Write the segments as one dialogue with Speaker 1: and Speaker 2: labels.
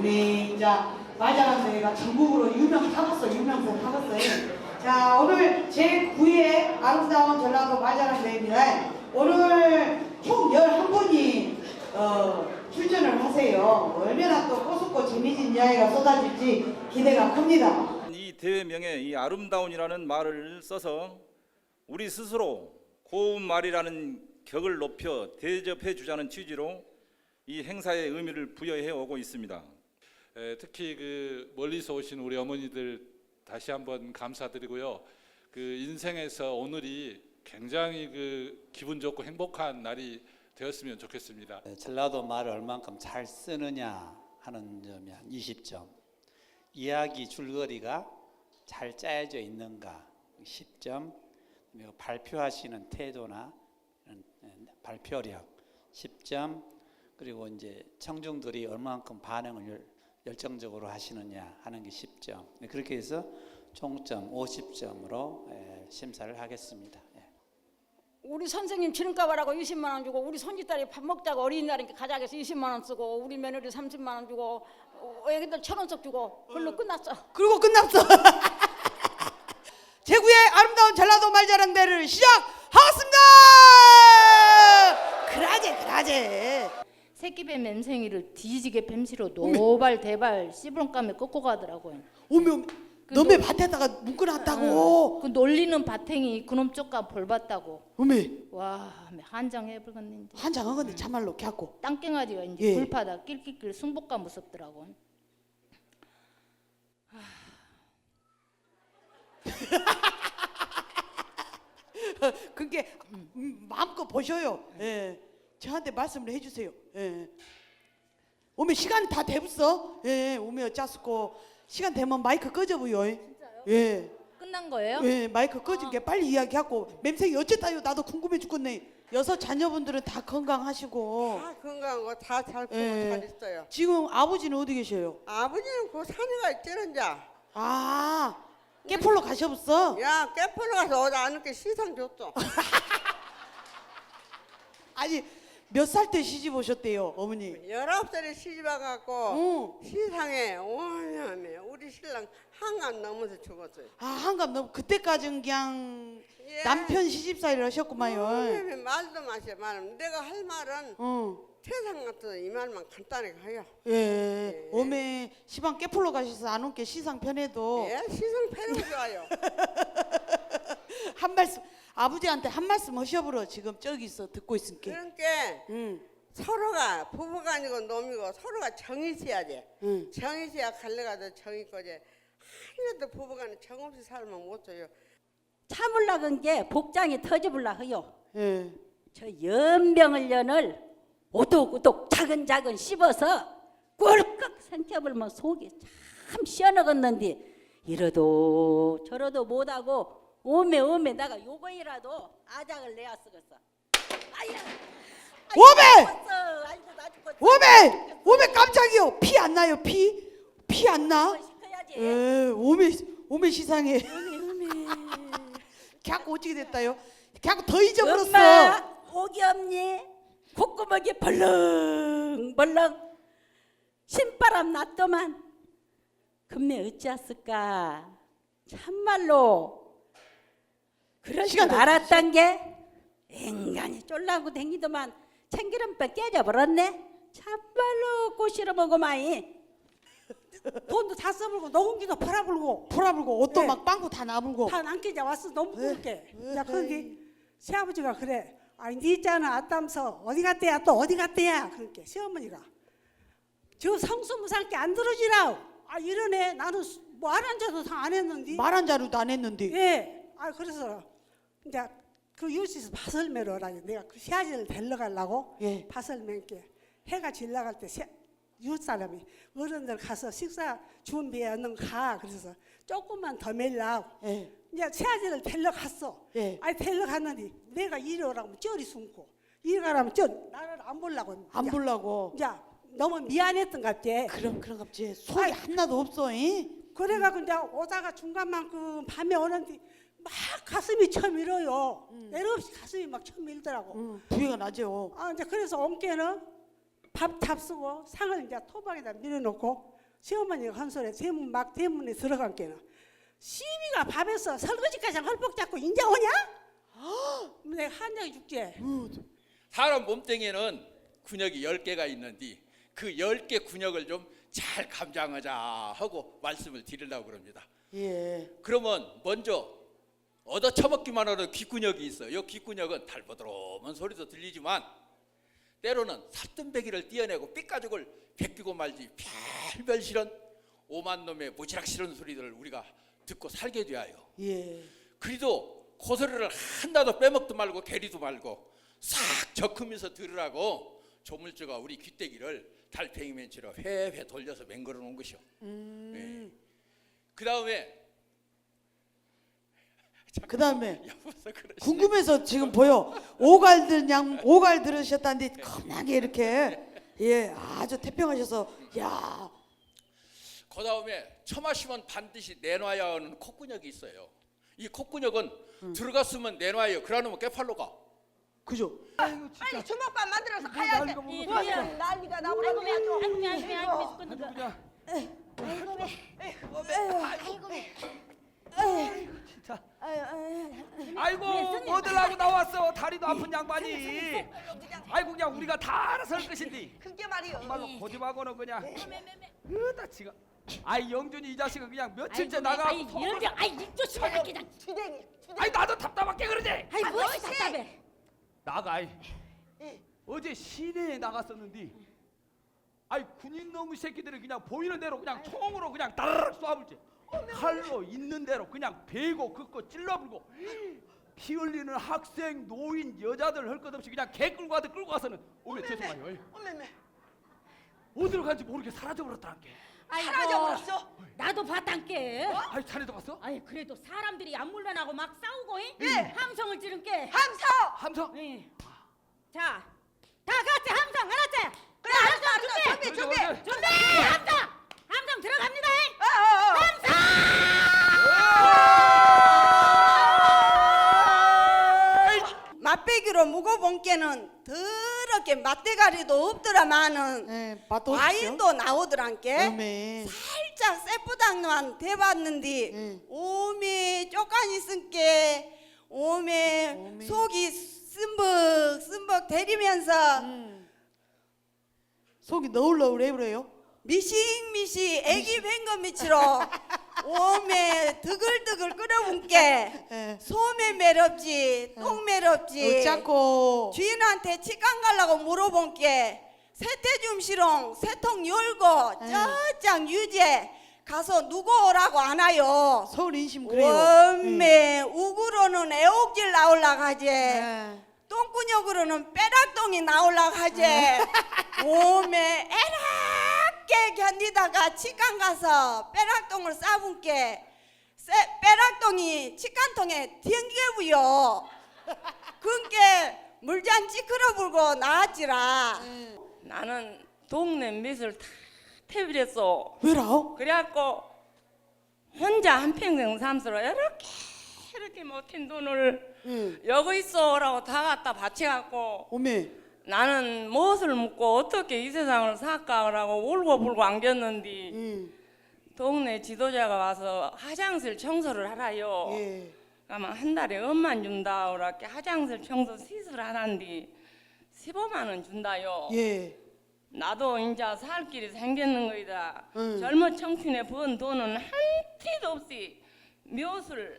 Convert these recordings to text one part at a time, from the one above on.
Speaker 1: 우리 이제 말자란대회가 전국으로 유명세타겠어요. 자, 오늘 제9회 아름다운 전라도 말자란대회입니다. 오늘 총 11분이 출전을 하세요. 얼마나 또 꼬숩고 재미진 이야기가 쏟아질지 기대가 큽니다.
Speaker 2: 이 대회명에 이 아름다운이라는 말을 써서 우리 스스로 고운 말이라는 격을 높여 대접해 주자는 취지로 이 행사의 의미를 부여해 오고 있습니다.
Speaker 3: 특히 그 멀리서 오신 우리 어머니들 다시 한번 감사드리고요. 그 인생에서 오늘이 굉장히 그 기분 좋고 행복한 날이 되었으면 좋겠습니다.
Speaker 4: 전라도 말을 얼만큼 잘 쓰느냐 하는 점이 한 20점, 이야기 줄거리가 잘 짜여져 있는가 10점, 발표하시는 태도나 발표력 10점, 그리고 이제 청중들이 얼만큼 반응을 열정적으로 하시느냐 하는 게 10점. 그렇게 해서 총점 50점으로 심사를 하겠습니다.
Speaker 5: 우리 선생님 기름값하라고 20만 원 주고, 우리 손짓딸이 밥 먹자고 어린이날이니까 가자해서 20만 원 쓰고, 우리 며느리 30만 원 주고, 애기들 1,000원씩 주고, 그걸로 끝났어.
Speaker 1: 그리고 끝났어. 제9회 아름다운 전라도 말자랑대를 시작하겠습니다. 그라제.
Speaker 6: 새끼뱀 맴생이를 뒤지게 뱀시로 노발 대발 씨부렁감에 꺾고 가더라고요.
Speaker 1: 오면 너네 밭에다가 묶어놨다고.
Speaker 6: 그 놀리는 바탱이 그놈 쪽가 벌 받다고.
Speaker 1: 어메
Speaker 6: 와, 한장해버렸는데.
Speaker 1: 한장한 건데 참말로 걔하고
Speaker 6: 땅갱아리가 이제
Speaker 1: 예.
Speaker 6: 불파다 낄낄낄 승복가 무섭더라고.
Speaker 1: 그게 마음껏 보셔요. 예. 저한테 말씀을 해주세요. 예. 오면 시간 다 돼봤어. 예. 오면 어쩌스고 시간 되면 마이크 꺼져보요.
Speaker 6: 진짜요?
Speaker 1: 예.
Speaker 6: 끝난 거예요?
Speaker 1: 예. 마이크 꺼진 게 빨리 이야기하고. 맴생이 어쨌다요. 나도 궁금해 죽겠네. 6 자녀분들은 다 건강하시고.
Speaker 7: 다 건강하고 다 잘 크고
Speaker 1: 예.
Speaker 7: 잘 있어요.
Speaker 1: 지금 아버지는 어디 계셔요?
Speaker 7: 아버지는 그 산에가 있지는자.
Speaker 1: 아, 깨폴로 가셔봤어?
Speaker 7: 야, 깨포로 가서 어디 안 이렇게 시상 줬어.
Speaker 1: 아니 몇 살 때 시집 오셨대요, 어머니?
Speaker 7: 19살에 시집 와갖고 시상에 오냐며 우리 신랑 한간 넘어서 죽었어요.
Speaker 1: 아, 한갑 너무 그때까지는 그냥
Speaker 7: 예.
Speaker 1: 남편 시집살이를 하셨구만요.
Speaker 7: 말도 마셔 말은 내가 할 말은 세상 같은 이 말만 간단하게 해요.
Speaker 1: 예. 오메 시방 깨풀러 가셔서 안 온 게 시상 편해도
Speaker 7: 예, 시상 패는 좋아요.
Speaker 1: 한 말씀 아버지한테 한 말씀 하셔보러 지금 저기 있어 듣고 있을게.
Speaker 7: 그러니까 서로가 부부가 아니고 놈이고 서로가 정이 있어야 돼. 정이 있어야 갈래가도 정이 있고지. 하나도 부부간에 정 없이 살면 못 줘요.
Speaker 5: 참을락은 게 복장이 터져불라 해요.
Speaker 1: 예.
Speaker 5: 저 연병을 오독오독 차근차근 씹어서 꿀꺽 생겨불면 속이 참 시원하겠는데 이러도 저러도 못하고 오메 내가 요거이라도 아작을 내야 쓰겠어.
Speaker 1: 오메 깜짝이요. 피 안 나요? 피 안 나?
Speaker 5: 시켜야지.
Speaker 1: 예. 오메 시상해. 걔하고 어떻게 됐다요? 걔하고 더 잊어버렸어.
Speaker 5: 엄마 혹이 없니? 콧구멍이 벌렁벌렁 신바람 났더만 금매 어찌했을까. 참말로 그럴 줄
Speaker 1: 시간 더
Speaker 5: 알았단 게 인간이 쫄라고 댕기더만 참기름빼 깨져버렸네. 참말로 꼬시러먹어마이.
Speaker 8: 돈도 다 써불고 녹음기도 팔아불고
Speaker 1: 풀어불고 옷도
Speaker 8: 네.
Speaker 1: 막 빵꾸 다 나불고.
Speaker 8: 다 남기자 왔어. 너무 부럽게. 야, 거기 새아버지가 그래. 아니 네 있잖아 아따면서 어디 갔대야 또 어디 갔대야. 그렇게 시어머니가 저 성수무상께 안 들어지라. 아 이러네. 나는 뭐 안 앉아도 다 안 했는데.
Speaker 1: 말 한 자루도 안 했는데.
Speaker 8: 예. 아 그래서 이제 그 유치에서 밭을 매러라. 내가 그 새아지를 데리러 가려고
Speaker 1: 예.
Speaker 8: 밭을 맨게 해가 질나갈 때 이웃 사람이 어른들 가서 식사 준비해 얼른 가. 그래서 조금만 더 매려고.
Speaker 1: 예.
Speaker 8: 이제 새아지를 데리러 갔어.
Speaker 1: 예.
Speaker 8: 아니 데리러 갔는데 내가 이리 오라고 쩔이 숨고 이리 가라면 나를 안 보려고.
Speaker 1: 안 보려고.
Speaker 8: 이제 너무 미안했던 것 같아.
Speaker 1: 그럼 갑자기 속이 하나도 없어.
Speaker 8: 그래가지고 이제 오다가 중간만큼 밤에 오는데 막 가슴이 쳐밀어요. 내려 없이 가슴이 막 쳐밀더라고.
Speaker 1: 부위가 나죠.
Speaker 8: 아 이제 그래서 온 게는 밥 잡수고 상을 이제 토박에다 밀어놓고 시어머니가 한 소리 대문에 들어간 게는 시비가 밥에서 설거지까지 헐벗 잡고 인자 오냐? 내가 한장이 죽지.
Speaker 9: 사람 몸뚱이에는 근육이 10개가 있는데 그 10개 근육을 좀 잘 감장하자 하고 말씀을 드리려고 그럽니다.
Speaker 1: 예.
Speaker 9: 그러면 먼저 얻어 처먹기만 하는 귓근육이 있어요. 이 귓근육은 달보드러운 소리도 들리지만 때로는 살등배기를 띄어내고 삐가죽을 베끼고 말지 별별 싫은 오만 놈의 무지락 싫은 소리들을 우리가 듣고 살게 되어요.
Speaker 1: 예.
Speaker 9: 그래도 고소리를 하나도 빼먹도 말고 게리도 말고 싹 적으면서 들으라고 조물주가 우리 귀때기를 달팽이 멘치로 회회 돌려서 맹걸어 놓은 것이요. 네. 그 다음에
Speaker 1: 궁금해서 지금 보여. 오갈 들으셨다는데 겁나게 이렇게 예 아주 태평하셔서 야.
Speaker 9: 그 다음에 처마시면 반드시 내놔야 하는 콧근육이 있어요. 이 콧근육은 들어갔으면 내놔요. 그러면 깨팔로 가.
Speaker 1: 그죠?
Speaker 7: 빨리 주먹밥 만들어서 가야지. 난리가 나버렸네.
Speaker 10: 아이고 뭐들 하고 나왔어. 다리도 아픈 양반이. 아이고 그냥 우리가 다 알아서 할 것인데
Speaker 7: 그게 말이요.
Speaker 10: 정말로 고집하고는 그냥 으다 지가. 아이 영준이 이 자식은 그냥 며칠째 나가고
Speaker 5: 이쪽 시원하 그냥.
Speaker 10: 아이 나도 답답하게 그러지.
Speaker 5: 아이 무엇이 답답해?
Speaker 10: 나가 어제 시내에 나갔었는데 아이 군인 놈의 새끼들이 그냥 보이는 대로 그냥 총으로 그냥 따르륵 쏴불지. 칼로 있는 대로 그냥 베고 긋고 찔러불고 피 흘리는 학생 노인 여자들 할 것 없이 그냥 개 끌고 가듯 끌고 가서는 오메 죄송해요. 어디로 간지 모르게 사라져버렸다는 게.
Speaker 5: 사라져버렸어? 나도 봤단께.
Speaker 10: 아이 자네도 봤어?
Speaker 5: 아이 그래도 사람들이 안물만하고 막 싸우고 함성을 지른 게.
Speaker 10: 함성?
Speaker 5: 자, 다 같이 함성 알았지?
Speaker 7: 그래 알았어. 준비.
Speaker 5: 함성 들어갑니다.
Speaker 7: 맛배기로 묵어본 게는 더럽게 맛대가리도 없더라마는
Speaker 1: 예, 맛도
Speaker 7: 와인도 나오더란께.
Speaker 1: 오메.
Speaker 7: 살짝 쎄뿌당만 대봤는데 오메 쪼까니 쓴게 오메 속이 쓴벅 대리면서
Speaker 1: 속이 너울너울해 그래요?
Speaker 7: 미식미식 애기 뱅거 미치로 오메 드글드글 끓여본게
Speaker 1: 예.
Speaker 7: 소매 매럽지 똥 매럽지.
Speaker 1: 어쩌고
Speaker 7: 주인한테 치간 가려고 물어본게 세태줌시롱 세통 열고 쩌짱 유재 가서 누구 오라고 안 와요.
Speaker 1: 서울 인심 그래요.
Speaker 7: 원매 우구로는 애옥질 나올라 가지.
Speaker 1: 예.
Speaker 7: 똥구녕으로는 빼락똥이 나올라 가지. 오메 에락게 견디다가 치간 가서 빼락똥을 싸분게 빼락똥이 치간통에 튕겨부요. 그게 물잔 찌그러불고 나왔지라.
Speaker 11: 나는 동네 밑을 다 태비랬어.
Speaker 1: 왜라?
Speaker 11: 그래갖고 혼자 한평생 삼수로 이렇게 못한 돈을 여기 있어라고 다 갖다 바쳐갖고
Speaker 1: 오메.
Speaker 11: 나는 무엇을 묻고 어떻게 이 세상을 살까라고 울고불고 안겼는데 동네 지도자가 와서 화장실 청소를 하라요.
Speaker 1: 예.
Speaker 11: 아마 한 달에 엄만 준다 그렇게 화장실 청소 시술 하는데 15만 원 준다요.
Speaker 1: 예.
Speaker 11: 나도 이제 살 길이 생겼는 거이다. 젊은 청춘에 번 돈은 한 티도 없이 묘술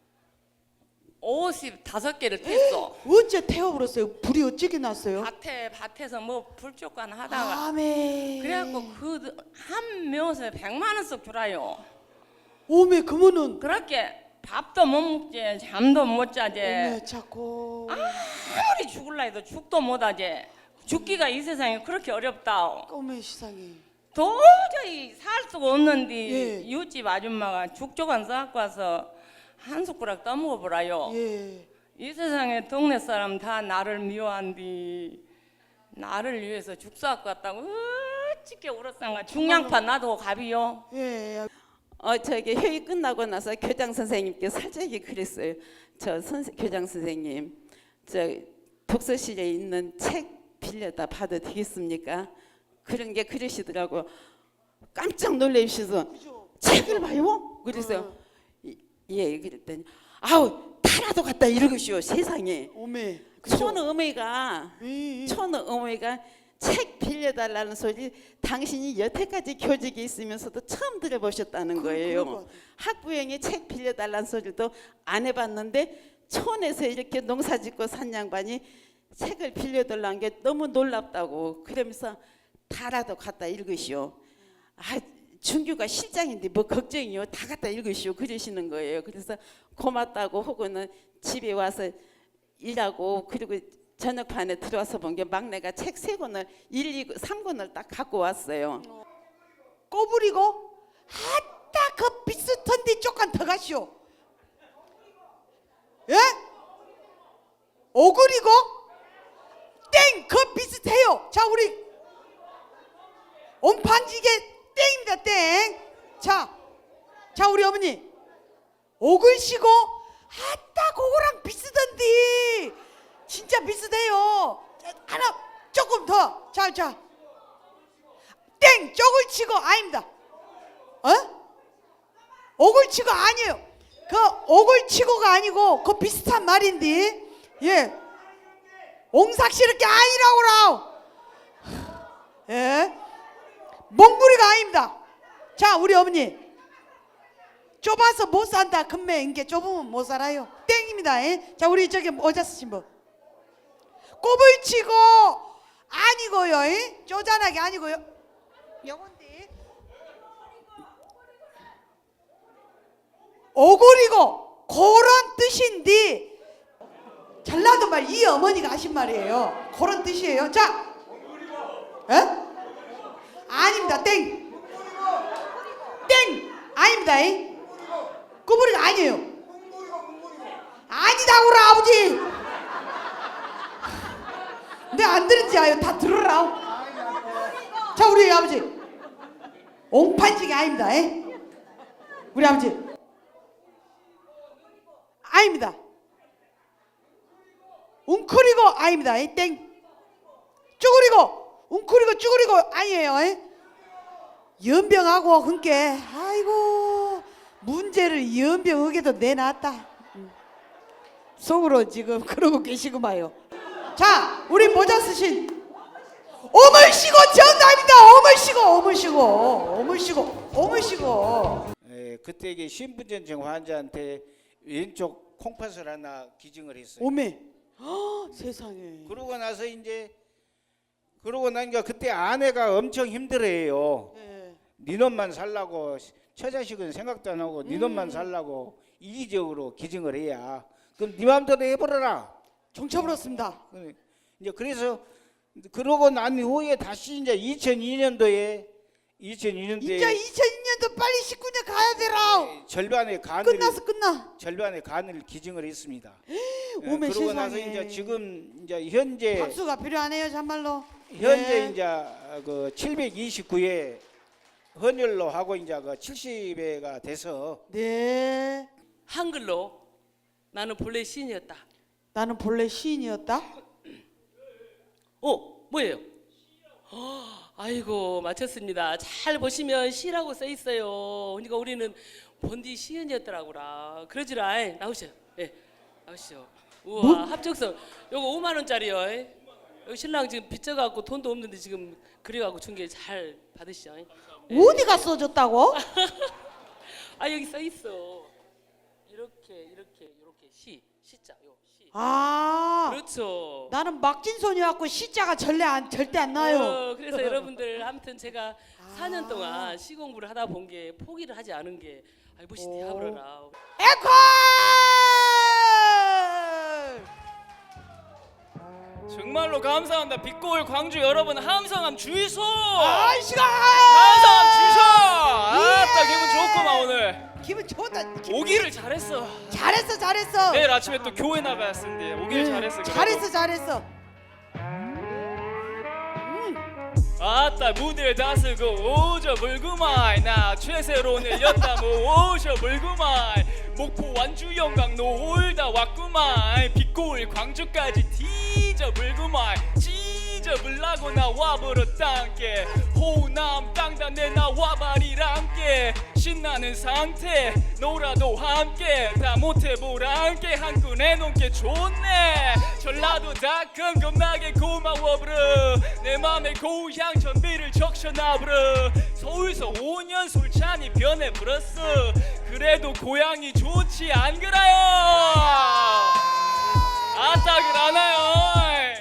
Speaker 11: 55개를 뗐어.
Speaker 1: 어째 태워버렸어요? 불이 어찌게 났어요?
Speaker 11: 밭에서 뭐 불조간 하다가
Speaker 1: 아메.
Speaker 11: 그래갖고 그 한 묘수에 100만 원씩 주라요.
Speaker 1: 오메 그러면은
Speaker 11: 그렇게 밥도 못 먹지 잠도 못 자지.
Speaker 1: 오메 자꾸
Speaker 11: 아무리 죽을라 해도 죽도 못 하지. 죽기가 이 세상에 그렇게 어렵다.
Speaker 1: 오메 세상에.
Speaker 11: 도저히 살 수가 없는데
Speaker 1: 예.
Speaker 11: 이웃집 아줌마가 죽조간 싸갖고 와서 한 숟가락 떠먹어보라요.
Speaker 1: 예.
Speaker 11: 이 세상에 동네 사람 다 나를 미워한디 나를 위해서 죽 싸갖고 왔다고 어찌게 울었상가. 중량파 나도 갑이요.
Speaker 1: 예.
Speaker 12: 저기 회의 끝나고 나서 교장 선생님께 살짝이 그랬어요. 교장 선생님, 저 독서실에 있는 책 빌려다 봐도 되겠습니까? 그런 게 그러시더라고요. 깜짝 놀라셔서 책을 봐요? 그래서 예 그랬더니 아우 타라도 갔다 이러고시오 세상에.
Speaker 1: 오메.
Speaker 12: 촌어머니가 책 빌려달라는 소리 당신이 여태까지 교직에 있으면서도 처음 들어보셨다는 거예요. 학부형이 책 빌려달라는 소리도 안 해봤는데 촌에서 이렇게 농사짓고 산 양반이 책을 빌려달라는 게 너무 놀랍다고 그러면서 다라도 갖다 읽으시오. 아 준규가 실장인데 뭐 걱정이요. 다 갖다 읽으시오. 그러시는 거예요. 그래서 고맙다고 하고는 집에 와서 일하고 그리고 저녁반에 들어와서 본 게 막내가 책 3권을 1, 2, 3권을 딱 갖고 왔어요.
Speaker 1: 꼬부리고 아따 그 비슷한데 조금 더 가시오. 예? 오그리고 땡! 그 비슷해요. 자 우리 옹판지게 땡입니다. 땡. 자 우리 어머니 오글시고 아따 그거랑 비슷한데 진짜 비슷해요. 하나 조금 더. 자 땡! 쪽을 치고 아닙니다. 옥을 치고 아니에요. 그 옥을 치고가 아니고 그 비슷한 말인데 예 옹삭시럽게 아니라고라. 예 몽구리가 아닙니다. 자 우리 어머니 좁아서 못 산다. 금매 인게 좁으면 못 살아요. 땡입니다. 예? 자 우리 저기 모자 쓰신 분 꼽을 치고 아니고요. 예? 쪼잔하게 아니고요. 요건데 오골이고 그런 뜻인데 전라도 말 이 어머니가 하신 말이에요. 그런 뜻이에요. 자, 에? 아닙니다. 땡. 아닙니다. 꾸부리가 아니에요. 아니다구라 아버지. 내 안 들은지 아요. 다 들으라. 자 우리 아버지 옹판지기 아닙니다. 우리 아버지 아닙니다. 웅크리고 아닙니다. 땡. 쭈그리고 웅크리고 쭈그리고 아니에요. 연병하고 흔께 아이고 문제를 연병하게도 내놨다. 속으로 지금 그러고 계시구마요. 자 우리 모자 쓰신 오물시고 정답입니다. 오물시고.
Speaker 13: 그때 이게 신분전증 환자한테 왼쪽 콩팥을 하나 기증을 했어요.
Speaker 1: 오메. 세상에.
Speaker 13: 그러고 나니까 그때 아내가 엄청 힘들어해요. 네 놈만 살라고 처자식은 생각도 안 하고 네 놈만 살라고 이기적으로 기증을 해야 그럼 네 마음대로 해버려라.
Speaker 1: 정쳐버렸습니다.
Speaker 13: 이제 그래서 그러고 난 후에 다시 이제 2002년도에
Speaker 1: 이제 2002년도 빨리 19년 가야 되라.
Speaker 13: 절반의 간을
Speaker 1: 끝나.
Speaker 13: 절반의 간을 기증을 했습니다.
Speaker 1: 오메
Speaker 13: 그러고
Speaker 1: 세상에.
Speaker 13: 나서 이제 지금 이제 현재
Speaker 1: 박수가 필요하네요, 참말로.
Speaker 13: 현재 이제 그 729회 헌혈로 하고 이제 그 70회가 돼서
Speaker 1: 네.
Speaker 11: 한글로 나는 본래 시인이었다.
Speaker 1: 나는 본래 시인이었다.
Speaker 11: 뭐예요? 아이고 맞췄습니다. 잘 보시면 시라고 써 있어요. 그러니까 우리는 본디 시인이었더라고라. 그러지라. 나오시죠. 예, 나오시죠. 우와 합격서 요거 5만 원짜리요. 여기 신랑 지금 빚져갖고 돈도 없는데 지금 그래갖고 준 게 잘 받으시죠.
Speaker 1: 어디가 써줬다고?
Speaker 11: 아 여기 써 있어. 이렇게 시자 요 시.
Speaker 1: 아.
Speaker 11: 그렇죠.
Speaker 1: 나는 막진손이었고 시자가 절대 안 나요.
Speaker 11: 그래서 여러분들 아무튼 제가 4년 동안 시 공부를 하다 본 게 포기를 하지 않은 게 보시지 하버라.
Speaker 1: 에콜!
Speaker 14: 정말로 감사합니다. 빛고울 광주 여러분 함성함 주이소.
Speaker 1: 아이씨가!
Speaker 14: 함성함 주이소. 아따 기분 좋구만 오늘.
Speaker 1: 기분 좋다.
Speaker 14: 오기를 잘했어.
Speaker 1: 잘했어.
Speaker 14: 내일 아침에 또 교회 나가야 쓰는데 오기를 잘했어. 그래도.
Speaker 1: 잘했어.
Speaker 14: 아따 무대를 다스고 오저 물구마이 나 최세론을 였다 뭐 오셔 물구마이 목포 완주 영광 놀다 왔구마이 빛고울 광주까지 뒤져 물구마이 뒤져보려고 나와버렸단께 호남 땅단 내 나와버리란께 신나는 상태 놀아도 함께 다 못해보란께 한눈에 놓게 좋네 전라도 닷컴 겁나게 고마워 브르 내 맘의 고향 전비를 적셔놔 브르 서울서 5년 솔찬히 변해버렸어 그래도 고향이 좋지 안 그래요 아따 그러나요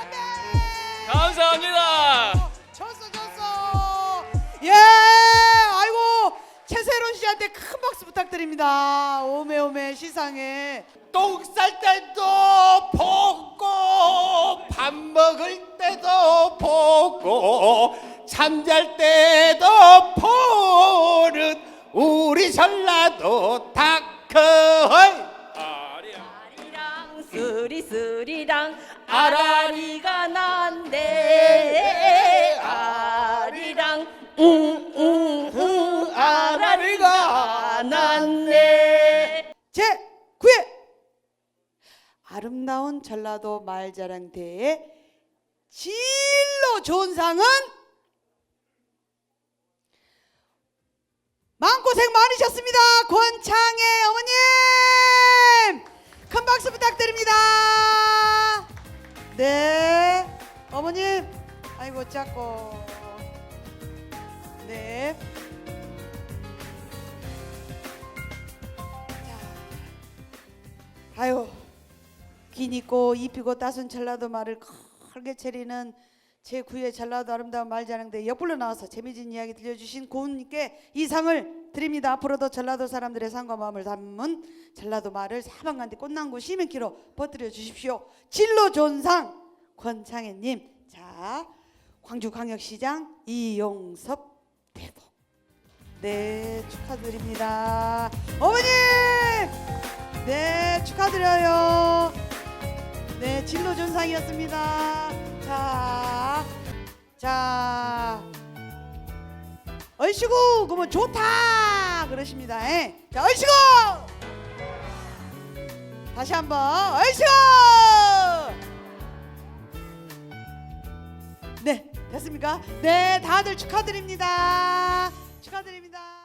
Speaker 14: 감사합니다
Speaker 1: 졌어. 예, 아이고 최세론 씨한테 큰 박수 부탁드립니다. 오메오메 시상에
Speaker 15: 똥 쌀 때도 보고 밥 먹을 때도 보고 잠잘 때도 보는 우리 전라도 닭커
Speaker 16: 쓰리쓰리랑 아라리가 난대 아리랑 아라리가 난대
Speaker 1: 제 9회 아름다운 전라도 말자랑대회 진로 좋은 상은 마음고생 많으셨습니다. 권창애 어머님 큰 박수 부탁드립니다. 네 어머님 아이고 작고 네 아유 긴 있고 입히고 따순 전라도 말을 크게 차리는 제9회 전라도 아름다운 말자랑대 옆불로 나와서 재미진 이야기 들려주신 고은님께 이 상을 드립니다. 앞으로도 전라도 사람들의 삶과 마음을 담은 전라도 말을 사방간데 꽃난구 시민키로 퍼뜨려 주십시오. 진로 좋은 상 권창애님. 자 광주광역시장 이용섭 대복 네 축하드립니다. 어머님 네 축하드려요. 네 진로 좋은 상이었습니다. 자 얼씨구 그러면 좋다 그러십니다. 자 얼씨구 다시 한번 얼씨구 네 됐습니까? 네 다들 축하드립니다. 축하드립니다.